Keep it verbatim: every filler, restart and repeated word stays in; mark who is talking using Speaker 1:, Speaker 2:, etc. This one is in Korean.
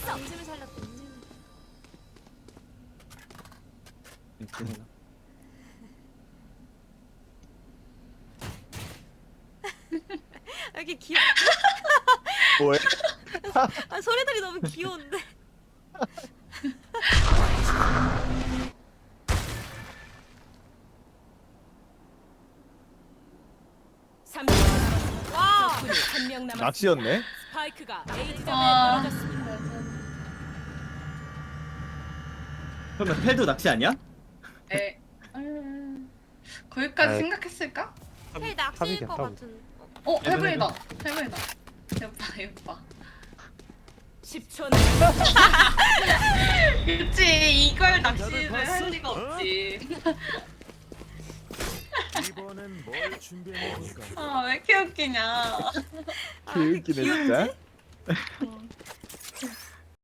Speaker 1: 인심을 살렸다. 인심을. 여기 귀여.
Speaker 2: 뭐해?
Speaker 1: 아 소리들이 너무 귀여운데.
Speaker 3: 삼 명 남았습니다.
Speaker 1: 와.
Speaker 3: 적군이 한 명 남았습니다.
Speaker 2: 낚시였네?
Speaker 3: 스파이크가 A 지점에
Speaker 4: 아.
Speaker 3: 떨어졌습니다.
Speaker 5: 그러면 텔도 낚시 아니야?
Speaker 4: 에. 음, 거기까지
Speaker 2: 아이.
Speaker 4: 생각했을까?
Speaker 1: 헬 낚시일 것 같은.
Speaker 4: 어,
Speaker 5: 해븐,
Speaker 4: 해븐이다. 해븐이다. 예뻐, 예뻐.
Speaker 3: 십 초 남았습니다.
Speaker 4: 그치, 이걸 낚시를 할 리가 없지.
Speaker 6: 이번엔 뭘 준비해 볼까?
Speaker 4: 아, 왜 이렇게 웃기냐.
Speaker 1: 아,
Speaker 2: 개웃기네 진짜.
Speaker 4: 어.